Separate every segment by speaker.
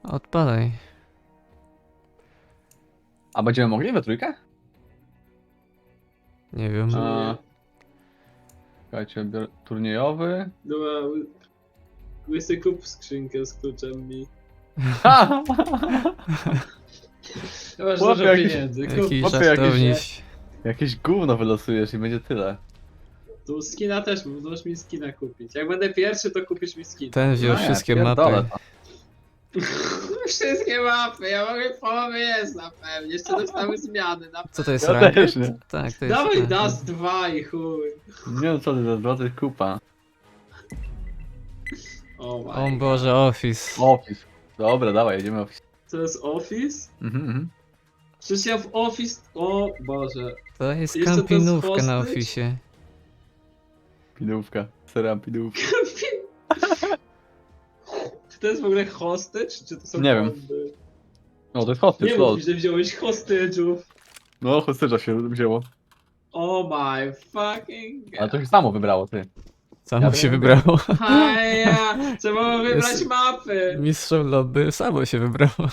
Speaker 1: Odpalaj.
Speaker 2: A będziemy mogli we trójkę?
Speaker 1: Nie wiem.
Speaker 2: Słuchajcie, turniejowy.
Speaker 3: Dobra, łysy kup skrzynkę z kluczem mi.
Speaker 2: Ha!
Speaker 3: Masz
Speaker 2: Chłopie,
Speaker 3: dużo
Speaker 2: jakiś-
Speaker 3: pieniędzy, kup.
Speaker 1: Jakiś
Speaker 2: Chłopie,
Speaker 1: żartowniś.
Speaker 2: Jakieś gówno wylosujesz i będzie tyle.
Speaker 3: Tu skina też, możesz mi skina kupić. Jak będę pierwszy, to kupisz mi skin.
Speaker 1: Ten wziął
Speaker 2: No nie,
Speaker 1: wszystkie
Speaker 2: pierdolę
Speaker 1: mapy.
Speaker 2: to.
Speaker 3: Wszystkie mapy, ja mogę połowy jest na pewno. Jeszcze dostały zmiany na
Speaker 1: Co to jest
Speaker 2: Ja
Speaker 1: ranked?
Speaker 2: też nie.
Speaker 1: Tak, to jest
Speaker 3: Dawaj
Speaker 1: ranked.
Speaker 3: Dust 2 i chuj.
Speaker 2: Nie wiem co ty za złotych kupa.
Speaker 3: Oh
Speaker 1: O
Speaker 3: my.
Speaker 1: Boże, Office.
Speaker 2: Office. Dobra, dawaj, jedziemy Office.
Speaker 3: To jest Office?
Speaker 2: Mhm.
Speaker 3: Przecież ja w Office... O Boże.
Speaker 1: To jest
Speaker 3: Jeszcze to jest
Speaker 1: kampinówka na
Speaker 3: hostage?
Speaker 1: Office.
Speaker 2: Pidówka. Seram pidówka.
Speaker 3: Czy to jest w ogóle hostage? Czy to są
Speaker 2: Nie wiem.
Speaker 3: bomby?
Speaker 2: No to jest hostage,
Speaker 3: Nie
Speaker 2: lol.
Speaker 3: mów mi, że wziąłeś hostage'ów.
Speaker 2: No, hostage'a się wzięło.
Speaker 3: Oh my fucking
Speaker 2: Ale
Speaker 3: god.
Speaker 2: to się samo wybrało, ty.
Speaker 1: Samo
Speaker 2: Ja
Speaker 1: się
Speaker 2: wiem.
Speaker 1: wybrało.
Speaker 3: Haja, trzeba było wybrać
Speaker 1: Jest-
Speaker 3: mapy.
Speaker 1: Mistrzem lobby samo się wybrało.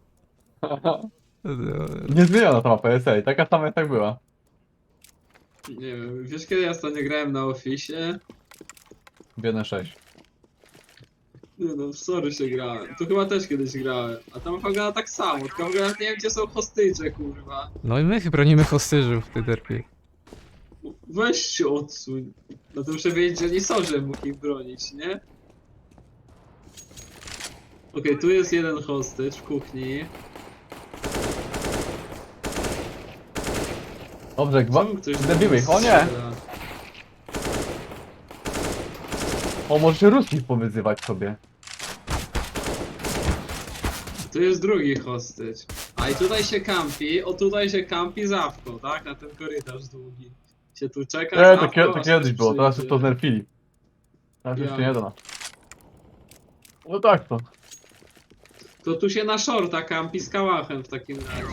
Speaker 2: Nie zmieniona ta mapa, jest taka sama jak tak była.
Speaker 3: Nie wiem, wiesz kiedy ja ostatnio grałem na Office?
Speaker 2: W 1.6.
Speaker 3: Nie no, w sorry się grałem. Tu chyba też kiedyś grałem. A tam wygląda tak samo, tylko w ogóle nawet nie wiem gdzie są hostage'e, kurwa.
Speaker 1: No i my bronimy hostyżów, ty derpie.
Speaker 3: Weź się odsuń. No to muszę wiedzieć, że nie są, że mógł ich bronić, nie? Okej, tu jest jeden hostage w kuchni.
Speaker 2: Dobrze,
Speaker 3: Czemu ktoś do
Speaker 2: zabiły
Speaker 3: mnie
Speaker 2: ich, o nie!
Speaker 3: strzela?
Speaker 2: O, możecie ruskich powyzywać sobie.
Speaker 3: Tu jest drugi hostage. A i tutaj się kampi, o tutaj się kampi zawko, tak? Na ten korytarz długi. Się tu czeka
Speaker 2: Nie,
Speaker 3: zawko,
Speaker 2: to
Speaker 3: aż
Speaker 2: kiedyś
Speaker 3: ktoś
Speaker 2: było, teraz już
Speaker 3: przyjdzie.
Speaker 2: to znerfili. Teraz już
Speaker 3: Ja.
Speaker 2: się nie da na. No tak to.
Speaker 3: To tu się na shorta kampi z kałachem w takim razie.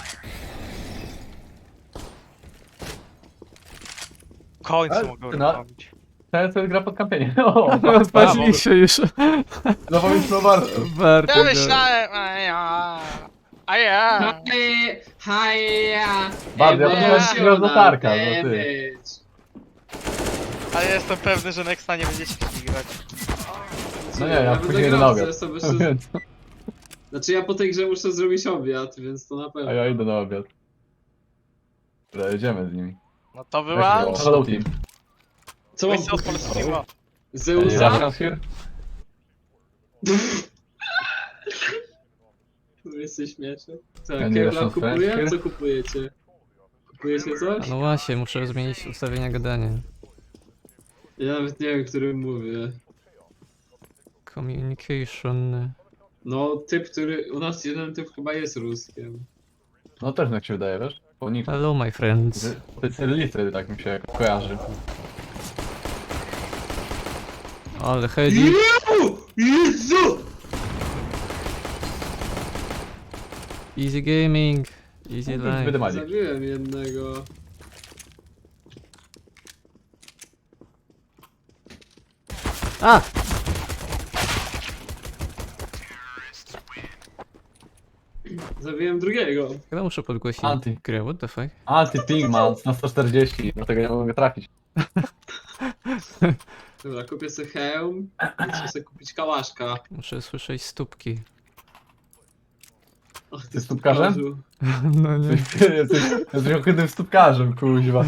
Speaker 4: W końcu
Speaker 2: Ale
Speaker 4: mogę
Speaker 2: ty na-
Speaker 4: robić.
Speaker 2: Teraz to jest gra pod kampienie. O,
Speaker 1: Odpalili się już.
Speaker 2: no powiedz no bardzo.
Speaker 1: Warto
Speaker 4: Ja
Speaker 1: go.
Speaker 4: myślałem, a ja.
Speaker 3: Haja!
Speaker 2: Bardzo, ja
Speaker 4: podumałem,
Speaker 2: że gra z latarka, no ty.
Speaker 3: damage.
Speaker 4: Ale jestem pewny, że Nexta nie będziecie grać.
Speaker 2: No nie, ja
Speaker 3: będę
Speaker 2: później idę
Speaker 3: grał,
Speaker 2: na
Speaker 3: że
Speaker 2: obiad.
Speaker 3: sobie jeszcze...
Speaker 2: Więc-
Speaker 3: Znaczy ja po tej grze muszę zrobić obiad, więc to na pewno.
Speaker 2: A ja idę na obiad. Dobra, jedziemy z nimi.
Speaker 4: No to
Speaker 2: Jak
Speaker 4: była...
Speaker 2: było? Hello team.
Speaker 3: Co mam
Speaker 4: Misja polskiego.
Speaker 3: Zeusa?
Speaker 2: Russians here?
Speaker 3: Jesteś śmieszny. Co,
Speaker 2: Ja nie
Speaker 3: Kevlar
Speaker 2: jestem
Speaker 3: kupuje?
Speaker 2: frajer.
Speaker 3: Co kupujecie? Kupujecie coś?
Speaker 1: No właśnie, muszę zmienić ustawienia gadania.
Speaker 3: Ja nawet nie wiem, którym mówię.
Speaker 1: Communication.
Speaker 3: No, typ, który... U nas jeden typ chyba jest Ruskiem.
Speaker 2: No też jak się wydaje, wiesz? Po niku.
Speaker 1: Hello my friends.
Speaker 2: Specjalisty tak mi się kojarzy.
Speaker 1: Ale Hedi.
Speaker 3: Jezu!
Speaker 1: Easy gaming. Easy life.
Speaker 2: Wydymali.
Speaker 3: Zabiłem jednego.
Speaker 1: A!
Speaker 3: Zabiłem drugiego.
Speaker 1: Chyba muszę podgłosić
Speaker 2: Anty.
Speaker 1: grę, what the fuck?
Speaker 2: Anti-ping ma na 140, dlatego nie mogę trafić.
Speaker 3: Dobra, kupię sobie hełm. Muszę sobie kupić kałaszka.
Speaker 1: Muszę słyszeć stópki.
Speaker 3: Och,
Speaker 2: Ty stópkarzem?
Speaker 3: stópkarzu.
Speaker 1: No nie.
Speaker 2: Jesteś ohydnym stópkarzem, kuźwa.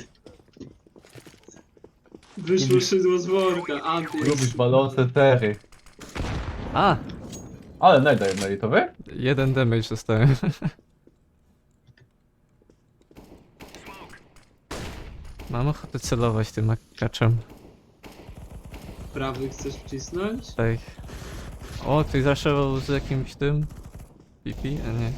Speaker 3: Wyszło szydło z worka, anty.
Speaker 2: Lubisz balonce tery.
Speaker 1: A!
Speaker 2: Ale najda jedno i to wy?
Speaker 1: Jeden damage dostałem. Mam ochotę celować tym akaczem.
Speaker 3: Prawy chcesz wcisnąć?
Speaker 1: Tak. O, ktoś zaszewał z jakimś tym? Pipi? A nie.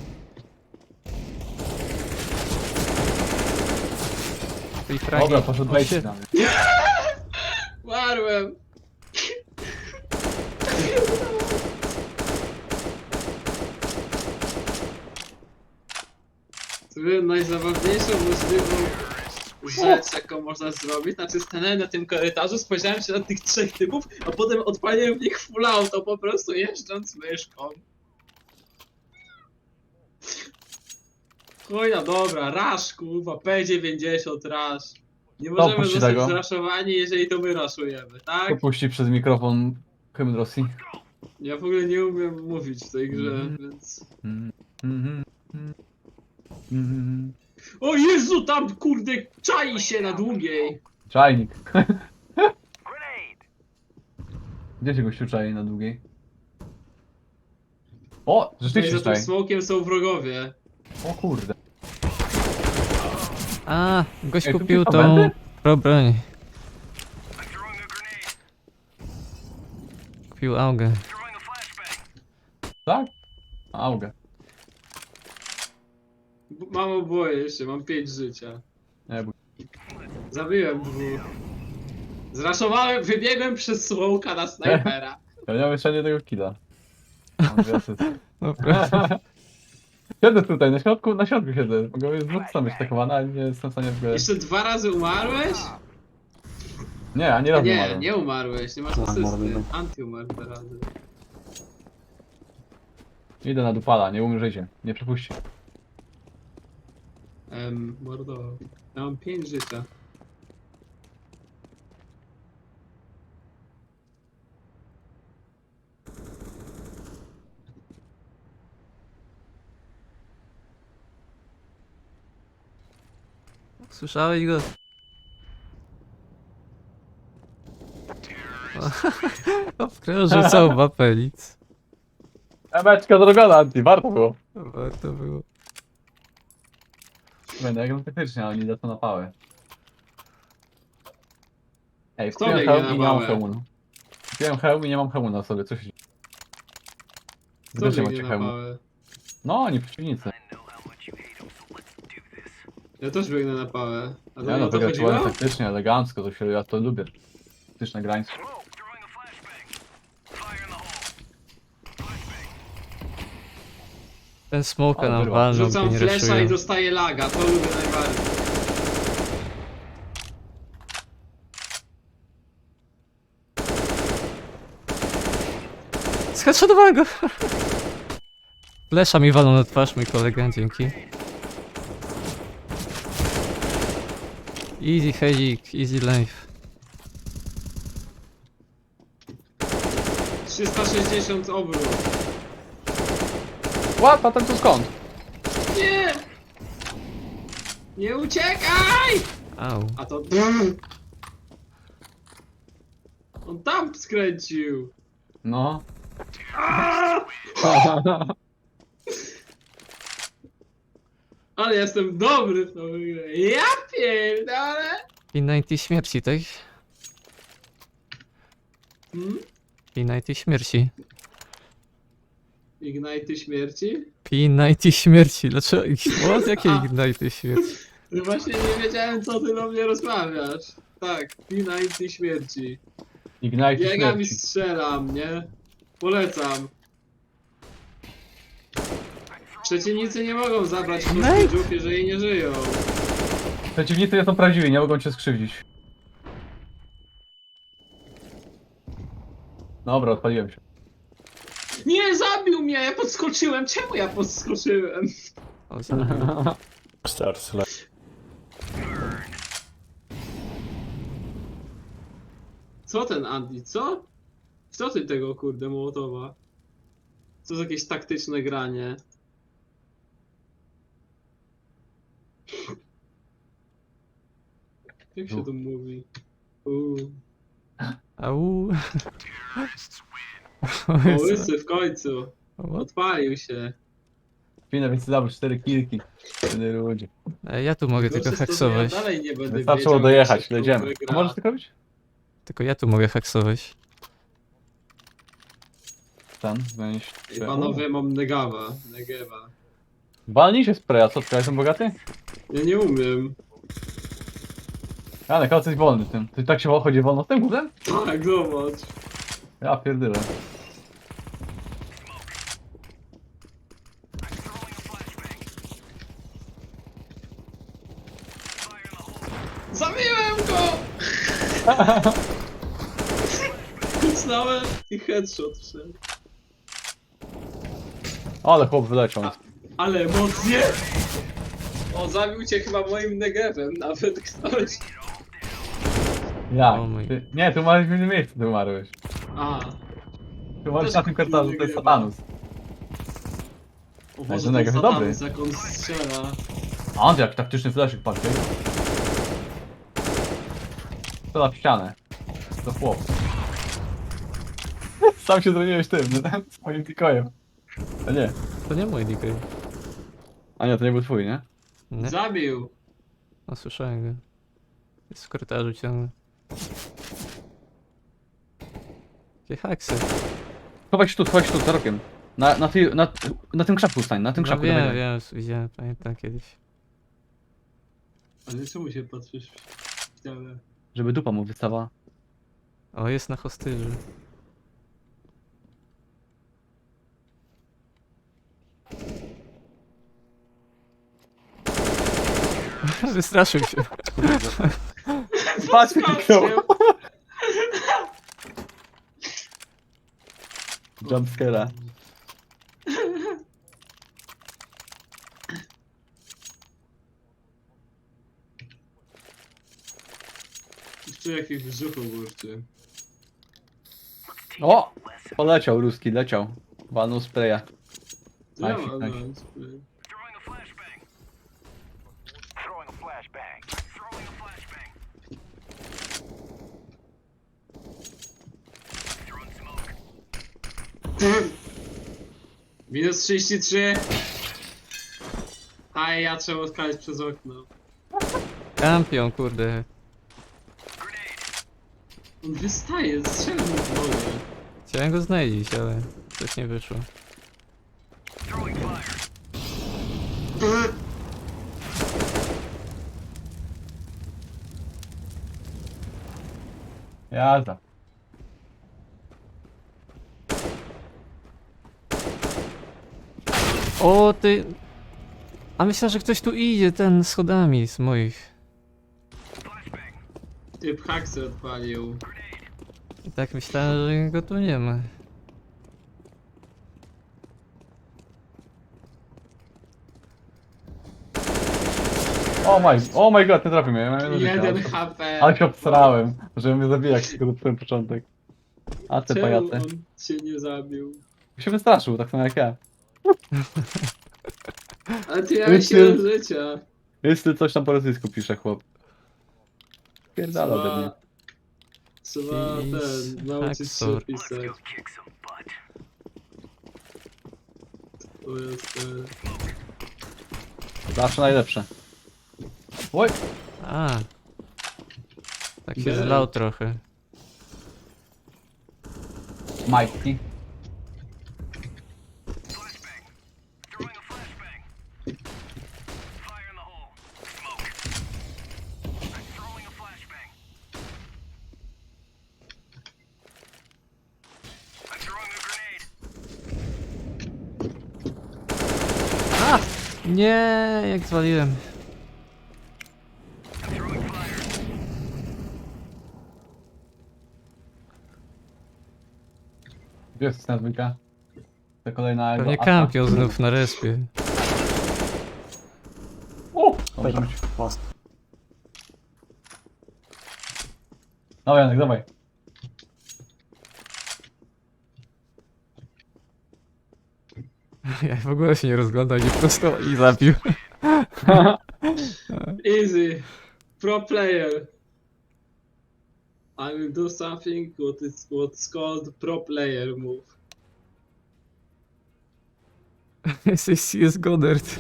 Speaker 1: I fragi.
Speaker 2: Dobra, poszedł
Speaker 1: O,
Speaker 2: wejść
Speaker 1: shit.
Speaker 2: na mnie.
Speaker 3: Warłem! Sobie najzabawniejszą możliwą rzecz, jaką można zrobić, znaczy stanąłem na tym korytarzu, spojrzałem się na tych trzech typów, a potem odpaliłem w nich full auto, po prostu jeżdżąc myszką. Chuja, dobra, rasz, kurwa, P90 rasz. Nie
Speaker 2: To
Speaker 3: możemy
Speaker 2: puści
Speaker 3: zostać
Speaker 2: tego.
Speaker 3: zraszowani, jeżeli to my raszujemy, tak?
Speaker 2: Opuści przez mikrofon hymn Rosji.
Speaker 3: Ja w ogóle nie umiem mówić w tej grze,
Speaker 2: Mhm.
Speaker 3: więc...
Speaker 2: Mhm. Mhm. Mhm.
Speaker 3: O Jezu, tam kurde, czai się na długiej!
Speaker 2: Czajnik. Gdzie się gościu czai na długiej? O!
Speaker 3: Tutaj
Speaker 2: Rzeczywiście
Speaker 3: za tym
Speaker 2: czai.
Speaker 3: smokiem są wrogowie.
Speaker 2: O kurde.
Speaker 1: A, gość
Speaker 2: Ej, tu
Speaker 1: kupił
Speaker 2: tylko
Speaker 1: tą
Speaker 2: będę?
Speaker 1: pro broń. Kupił augę.
Speaker 2: Tak? Auga.
Speaker 3: Mam oboje jeszcze, mam 5 życia.
Speaker 2: Nie, bo...
Speaker 3: Zabiłem dwóch. Zraszowałem, wybiegłem przez smoka na snajpera.
Speaker 2: Ja nie mam jeszcze jednego killa. Mam dwie asysty.
Speaker 1: Dobra.
Speaker 2: Siedzę tutaj, na środku siedzę. Mogę z dwóch stron być atakowana, ale nie jestem w stanie w ogóle...
Speaker 3: Jeszcze 2 razy umarłeś?
Speaker 2: Nie, ani razu
Speaker 3: Nie,
Speaker 2: umarłem.
Speaker 3: nie umarłeś, nie masz
Speaker 2: No,
Speaker 3: asysty.
Speaker 2: umarłem.
Speaker 3: Anty umarł 2 razy.
Speaker 2: Idę na dupala, nie umrzyjcie. Nie przepuści.
Speaker 3: Mordo. Ja mam 5 życia.
Speaker 1: Słyszałeś go? Obkrążył całą mapę, nic.
Speaker 2: Emeczka zrobiona, Anti, warto było.
Speaker 1: Warto było.
Speaker 2: Będę jak no faktycznie, ale nie da to na pałę. Ej,
Speaker 3: Kto
Speaker 2: kupiłem
Speaker 3: biegnie
Speaker 2: hełm
Speaker 3: na
Speaker 2: i nie mam
Speaker 3: pałę?
Speaker 2: hełmu. No. Kupiłem hełm i nie mam hełmu na sobie, co się dzieje?
Speaker 3: Kto
Speaker 2: Wy też nie
Speaker 3: biegnie
Speaker 2: macie
Speaker 3: na
Speaker 2: hełmu.
Speaker 3: pałę?
Speaker 2: No, oni przeciwnicy.
Speaker 3: Ja też biegnę na pałę. A to
Speaker 2: Ja
Speaker 3: nie
Speaker 2: no,
Speaker 3: o to
Speaker 2: wygrałem
Speaker 3: chodziło?
Speaker 2: taktycznie, elegancko, to się, ja to lubię. Taktyczne grańce.
Speaker 1: Ten smoke
Speaker 2: Ale
Speaker 1: nam
Speaker 2: wyrwał.
Speaker 1: walnął,
Speaker 3: Rzucam
Speaker 1: by nie
Speaker 3: flesza i
Speaker 1: raszują.
Speaker 3: dostaję laga, to lubię najbardziej.
Speaker 1: Zheadshotowałem go! Flesza mi walą na twarz, mój kolega, dzięki. Easy hedzik, easy life.
Speaker 3: 360 obrót.
Speaker 2: Łap, a ten tu skąd?
Speaker 3: Nie! Nie uciekaj!
Speaker 1: Au.
Speaker 3: A to... On tam skręcił.
Speaker 2: No.
Speaker 3: Ale jestem dobry w tą grę. Ja pierdolę!
Speaker 1: P90 śmierci, tak?
Speaker 3: Hmm?
Speaker 1: P90 śmierci.
Speaker 3: Ignite śmierci?
Speaker 1: P90 śmierci, dlaczego? What? Jakie Ignite śmierci?
Speaker 3: No właśnie nie wiedziałem, co ty do mnie rozmawiasz. Tak, P90 śmierci.
Speaker 2: Ignite
Speaker 3: Biegam i
Speaker 2: śmierci.
Speaker 3: strzelam, nie? Polecam. Przeciwnicy nie mogą zabrać hostage'ów, jeżeli nie żyją.
Speaker 2: Przeciwnicy nie są prawdziwi, nie mogą cię skrzywdzić. Dobra, odpaliłem się.
Speaker 3: Nie, zabił mnie! Ja podskoczyłem! Czemu ja podskoczyłem?
Speaker 1: O, zabił.
Speaker 5: Stars left.
Speaker 3: Co ten Andy, co? Co ty tego kurde Mołotowa? Co za jakieś taktyczne granie? Jak się to mówi?
Speaker 1: Au.
Speaker 3: O, łysy w końcu.
Speaker 1: What?
Speaker 3: Odpalił się.
Speaker 2: Finę, więc zabrał 4 kilki. Wtedy ludzie.
Speaker 1: Ja tu mogę tylko
Speaker 3: Gorsze jest to, że
Speaker 1: haksować.
Speaker 3: Ja dalej nie będę
Speaker 2: Wystarczyło
Speaker 3: wiedział,
Speaker 2: dojechać,
Speaker 3: jak się
Speaker 2: jedziemy.
Speaker 3: w tą grę
Speaker 2: A
Speaker 3: gra.
Speaker 2: możesz tak robić?
Speaker 1: Tylko ja tu mogę haksować.
Speaker 2: Ten, weź.
Speaker 3: Ej, panowie, mam negawa. Negewa.
Speaker 2: Walnij się spraya, co ty, ja jestem bogaty?
Speaker 3: Ja nie umiem.
Speaker 2: Janek, ale jesteś wolny tym. Ty tak się chodzi wolno z tym górem?
Speaker 3: Tak, zobacz.
Speaker 2: Ja pierdolę.
Speaker 3: Zabiłem go! Kucnąłem i headshot wszedł.
Speaker 2: Ale chłop wyleciał.
Speaker 3: Ale emocje! O, zabił cię chyba moim negewem, nawet ktoś.
Speaker 2: Jak?
Speaker 1: O mój.
Speaker 2: Nie, tu umarłeś w innym miejscu, ty umarłeś.
Speaker 3: A,
Speaker 2: Tu umarłeś
Speaker 3: Też
Speaker 2: na tym korytarzu, to jest
Speaker 3: nagrywa.
Speaker 2: Satanus.
Speaker 3: o
Speaker 2: ten
Speaker 3: Boże, ten
Speaker 2: negew jest dobry.
Speaker 3: Satanus, jak on strzela.
Speaker 2: A on jak taktyczny flashyk patrzy. To na ścianę. To chłop. Sam się zrobiłeś tym, swoim tikojem. A nie.
Speaker 1: To nie mój DK.
Speaker 2: A nie, to nie był twój, nie?
Speaker 1: Nie?
Speaker 3: Zabił.
Speaker 1: No słyszałem go. Jest w korytarzu ciągle. Jakie haksy.
Speaker 2: Chowaj się tu, za rokiem. Na tym krzaku stań, na tym
Speaker 1: No
Speaker 2: krzaku.
Speaker 1: wiem,
Speaker 2: dawaj.
Speaker 1: wiem, widziałem, pamiętam kiedyś.
Speaker 3: Ale czemu się patrzysz w ścianę?
Speaker 2: Żeby dupa mu wystawała.
Speaker 1: O, jest na hostyży. Wystraszył się.
Speaker 2: Patrz,
Speaker 3: Skoczył.
Speaker 2: Jumpscare'a.
Speaker 3: Jeszcze jakiś w brzuchu burczy.
Speaker 2: O! Poleciał ruski, leciał. Walnął spraya.
Speaker 3: Co ja
Speaker 2: Nice,
Speaker 3: mam
Speaker 2: nice.
Speaker 3: na spray? Minus 33. A ja trzeba odkalić przez okno.
Speaker 1: Kampion, kurde.
Speaker 3: On wystaje, strzelam mu w nogę.
Speaker 1: Chciałem go znaleźć, ale coś nie wyszło.
Speaker 2: Jazda.
Speaker 1: O, ty... A myślę, że ktoś tu idzie, ten schodami z moich.
Speaker 3: Typ haksy odpalił.
Speaker 1: I tak myślałem, że go tu nie ma.
Speaker 2: Oh my god, nie trafił mnie. Ja miałem jedno życie,
Speaker 3: 1 HP.
Speaker 2: ale się obsrałem, żeby mnie zabijać tylko ten początek. A ty
Speaker 3: Czemu
Speaker 2: pajace.
Speaker 3: on cię nie zabił?
Speaker 2: Się wystraszył, tak samo jak ja.
Speaker 3: Ale ty miałeś 7 życia.
Speaker 2: Jeśli coś tam po rosyjsku pisze chłop. Pierdala ode mnie.
Speaker 3: Trzeba ten, nauczyć się
Speaker 1: Hacksaw.
Speaker 3: pisać. To jest ten...
Speaker 2: Zawsze najlepsze. Oj!
Speaker 1: A. Tak się
Speaker 3: Bell.
Speaker 1: zlał trochę.
Speaker 2: Majki.
Speaker 1: Nie, jak zwaliłem.
Speaker 2: Gdzie jest na dwójka? To kolejna
Speaker 1: Pewnie
Speaker 2: asa.
Speaker 1: kampion znów na respie.
Speaker 2: O! Może być.
Speaker 5: Most.
Speaker 2: No Janek, dawaj.
Speaker 1: Ja w ogóle się nie rozglądał, nie prosto i zabił.
Speaker 3: Easy. Pro player. I will do something what's called pro player move.
Speaker 1: Jesteś CS Goddard.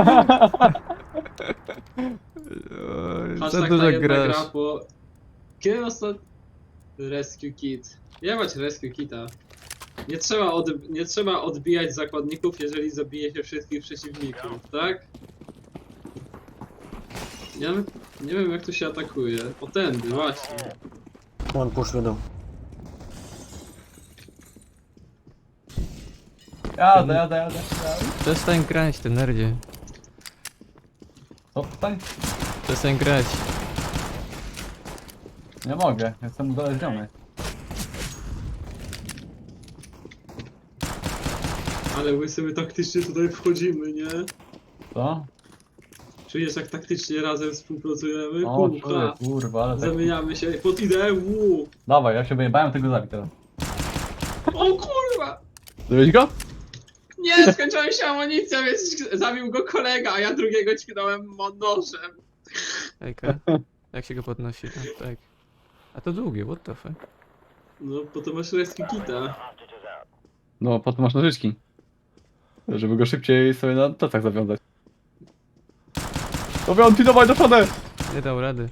Speaker 1: Oj,
Speaker 3: Patrz
Speaker 1: za
Speaker 3: tak na
Speaker 1: dużo
Speaker 3: jedna gra
Speaker 1: grasz.
Speaker 3: po... Kiedy ostatnio... Rescue kit. Jebać rescue kita. Nie trzeba odbijać zakładników, jeżeli zabije się wszystkich przeciwników, tak? Ja nie wiem jak to się atakuje. O tędy, właśnie.
Speaker 5: One push wiadomo.
Speaker 2: Jadę.
Speaker 1: Przestań grać, ty nerdzie.
Speaker 2: Co tutaj?
Speaker 1: Przestań grać.
Speaker 2: Nie mogę, jestem uzależniony.
Speaker 3: Ale my sobie taktycznie tutaj wchodzimy, nie?
Speaker 2: Co?
Speaker 3: Czujesz jak taktycznie razem współpracujemy?
Speaker 2: O, czuję,
Speaker 3: Kurwa.
Speaker 2: kurwa, ale tak...
Speaker 3: Zamieniamy się pod ideę.
Speaker 2: Dawaj, ja się wyjebałem tego zabić teraz.
Speaker 3: O kurwa!
Speaker 2: Zabiłeś go?
Speaker 3: Nie, skończyła się amunicja, więc zabił go kolega, a ja drugiego ćknąłem nożem.
Speaker 1: Ejka. Jak się go podnosi? A, tak. A to długie, what the fuck?
Speaker 3: No, potem masz rescue kita.
Speaker 2: No, potem masz nożyczki. Żeby go szybciej sobie na tacach zawiązać. Dowiąti, dawaj do przodu!
Speaker 1: Nie dał rady.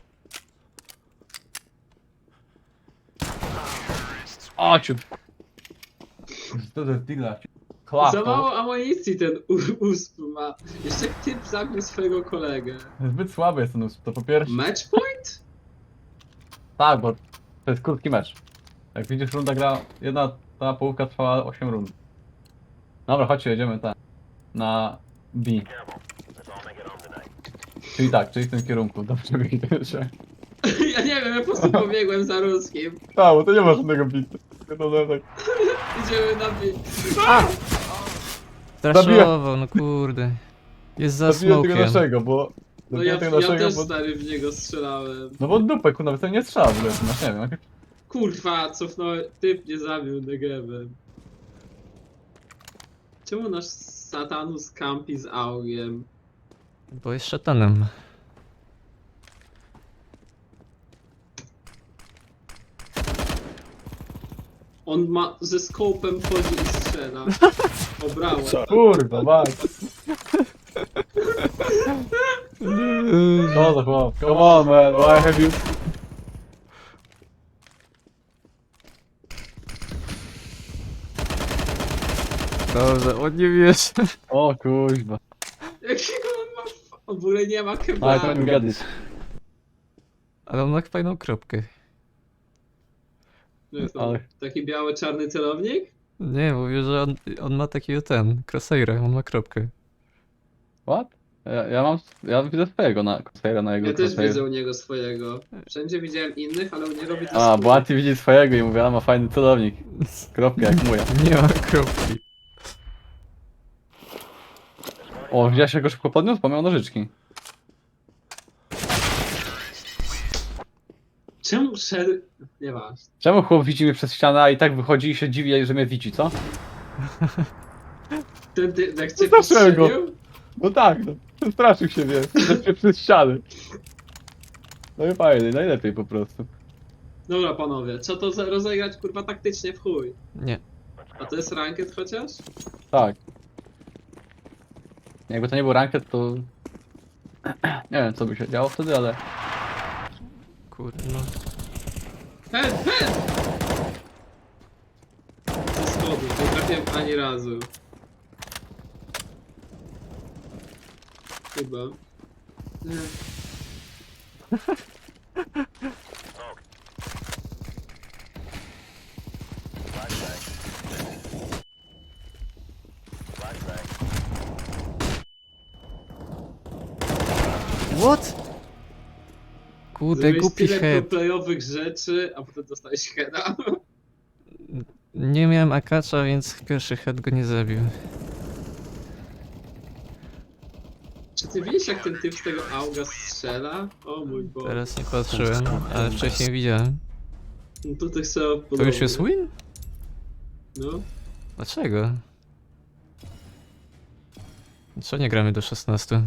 Speaker 2: O, ciut. Co to jest digla?
Speaker 3: Za mało amunicji ten USP ma. Jeszcze typ zabił swojego kolegę.
Speaker 2: Zbyt słaby jest ten usp, to po pierwsze.
Speaker 3: Match point?
Speaker 2: Tak, bo to jest krótki mecz. Jak widzisz, runda gra, jedna ta połówka trwała 8 rund. Dobra, chodźcie, jedziemy tam. Na B. Czyli tak, czyli w tym kierunku. Dobrze wyjdziecie.
Speaker 3: Ja nie wiem, ja po prostu pobiegłem za ruskim.
Speaker 2: Tak, bo to nie ma żadnego bitu. Tak.
Speaker 3: Idziemy na bit.
Speaker 1: Straszował, no kurde. Jest za
Speaker 2: Zabiłem tego
Speaker 1: smokiem.
Speaker 2: naszego, bo...
Speaker 3: No
Speaker 2: Zabiłem
Speaker 3: ja
Speaker 2: tego naszego,
Speaker 3: też
Speaker 2: bo...
Speaker 3: stary w niego strzelałem.
Speaker 2: No bo dupę, kurwa, nawet nie strzela w ogóle, masz, nie wiem. Jak...
Speaker 3: Kurwa, cofnąłem. Typ mnie zabił negewem. Czemu nasz Satanus campi z augiem?
Speaker 1: Bo jest szatanem.
Speaker 3: On ma ze skopem chodzi i strzela. Obrałem.
Speaker 2: Kurwa, mać. Co za chłop? Come on, man, why have you...
Speaker 1: Dobrze, on nie wiesz.
Speaker 2: O kurwa.
Speaker 3: Jakiego on ma... W ogóle nie ma
Speaker 2: Ale to
Speaker 3: kebabu.
Speaker 2: nie gadać.
Speaker 1: Ale on ma fajną kropkę.
Speaker 3: No jest to
Speaker 2: Ale-
Speaker 3: taki biały-czarny celownik?
Speaker 1: Nie, mówię, że on ma takiego crosshaira, on ma kropkę.
Speaker 2: What? Ja widzę swojego na crosshaira na jego
Speaker 3: Ja też
Speaker 2: crosshair.
Speaker 3: widzę u niego swojego. Wszędzie widziałem innych, ale u niego widzę
Speaker 2: A,
Speaker 3: swój.
Speaker 2: bo Anty widzi swojego i mówi, a ma fajny celownik. Kropka jak moja.
Speaker 1: Nie ma kropki.
Speaker 2: O, ja się go szybko podniósł, bo miał nożyczki.
Speaker 3: Czemu szedł... Nieważne.
Speaker 2: Czemu chłop widzi mnie przez ścianę, a i tak wychodzi i się dziwi, że mnie widzi, co?
Speaker 3: Ten ty, jak cię
Speaker 2: Zacząłem go.
Speaker 3: postrzelił?
Speaker 2: No tak, no. Straszył się, wiesz, przez ściany. No i fajnie, najlepiej po prostu.
Speaker 3: Dobra panowie, co to za rozegrać kurwa taktycznie w chuj?
Speaker 1: Nie.
Speaker 3: A to jest ranked chociaż?
Speaker 2: Tak. Jakby to nie był ranked, to... Nie wiem, co by się działo wtedy, ale...
Speaker 1: Kurde, no.
Speaker 3: Head! Ze schodów, nie trafiłem ani razu. Chyba. Nie.
Speaker 1: What? Kurde,
Speaker 3: Zrobiłeś
Speaker 1: głupi
Speaker 3: tyle
Speaker 1: head.
Speaker 3: proplayowych rzeczy, a potem dostałeś heada.
Speaker 1: Nie miałem akacza, więc pierwszy head go nie zabił.
Speaker 3: Czy ty widzisz jak ten typ z tego auga strzela? O mój Boże.
Speaker 1: Teraz nie patrzyłem, ale wcześniej widziałem.
Speaker 3: No to tak samo
Speaker 1: To
Speaker 3: podobnie.
Speaker 1: już jest win?
Speaker 3: No.
Speaker 1: Dlaczego? Co nie gramy do 16?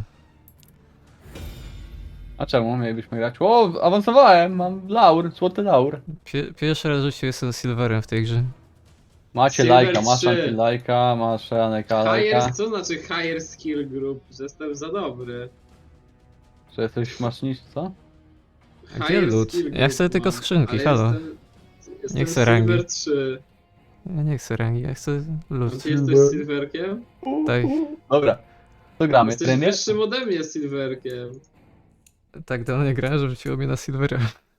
Speaker 2: A czemu mielibyśmy grać? O, awansowałem, mam laur, złoty laur.
Speaker 1: Pierwszy raz w życiu jestem silverem w tej grze.
Speaker 2: Macie
Speaker 3: Silver
Speaker 2: lajka, masz
Speaker 3: 3.
Speaker 2: anti-lajka, masz Aneka lajka.
Speaker 3: Higher, co znaczy higher skill group? Że jestem za dobry.
Speaker 2: Że jesteś masznisz, co?
Speaker 1: A gdzie lód?
Speaker 3: skill
Speaker 1: Ja
Speaker 3: group
Speaker 1: chcę tylko
Speaker 3: mam,
Speaker 1: skrzynki,
Speaker 3: ale
Speaker 1: halo.
Speaker 3: Jestem
Speaker 1: Nie chcę rangi.
Speaker 3: Silver 3.
Speaker 1: Ja nie chcę rangi, ja chcę
Speaker 3: A
Speaker 1: lód.
Speaker 3: ty jesteś silverkiem?
Speaker 1: Tak,
Speaker 2: Dobra, to gramy.
Speaker 3: Jesteś
Speaker 2: Trener?
Speaker 3: wyższym ode mnie silverkiem.
Speaker 1: tak dawno nie grałem, że wróciło mnie na silvera.